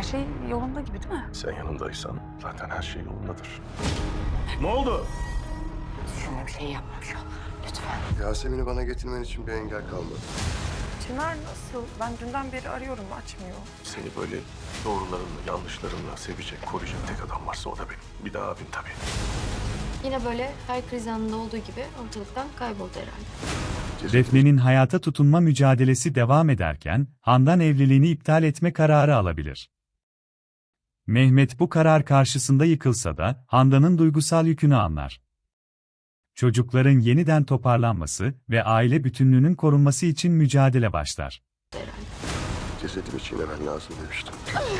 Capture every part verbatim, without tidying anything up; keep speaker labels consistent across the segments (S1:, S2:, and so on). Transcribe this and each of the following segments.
S1: şey yolunda gibi değil mi?
S2: Sen yanındaysan zaten her şey yolundadır. Ne oldu?
S1: Düşündüğüm şeyi yapmamış ol. Lütfen.
S3: Yasemin'i bana getirmen için bir engel kalmadı.
S1: Çınar nasıl? Ben dünden beri arıyorum, açmıyor.
S2: Seni böyle doğrularınla, yanlışlarınla sevecek, koruyacak tek adam varsa o da benim. Bir daha abin tabii.
S4: Yine böyle her kriz anında olduğu gibi ortalıktan kayboldu herhalde.
S5: Defne'nin hayata tutunma mücadelesi devam ederken, Handan evliliğini iptal etme kararı alabilir. Mehmet bu karar karşısında yıkılsa da, Handan'ın duygusal yükünü anlar. Çocukların yeniden toparlanması ve aile bütünlüğünün korunması için mücadele başlar.
S3: Cesedimi çiğnemen lazım demiştim.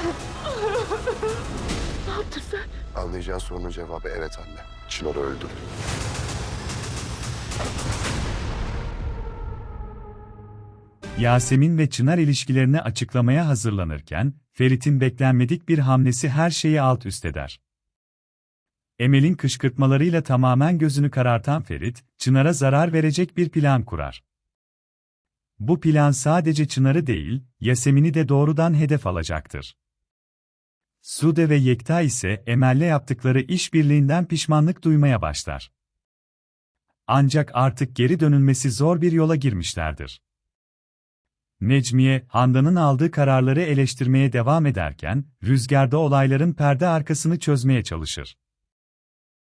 S1: Ne yaptın sen?
S3: Anlayacağın sorunun cevabı evet anne. Çınar'ı öldürdüm.
S5: Yasemin ve Çınar ilişkilerini açıklamaya hazırlanırken, Ferit'in beklenmedik bir hamlesi her şeyi alt üst eder. Emel'in kışkırtmalarıyla tamamen gözünü karartan Ferit, Çınar'a zarar verecek bir plan kurar. Bu plan sadece Çınar'ı değil, Yasemin'i de doğrudan hedef alacaktır. Sude ve Yekta ise Emel'le yaptıkları işbirliğinden pişmanlık duymaya başlar. Ancak artık geri dönülmesi zor bir yola girmişlerdir. Necmiye, Handan'ın aldığı kararları eleştirmeye devam ederken, Rüzgar'da olayların perde arkasını çözmeye çalışır.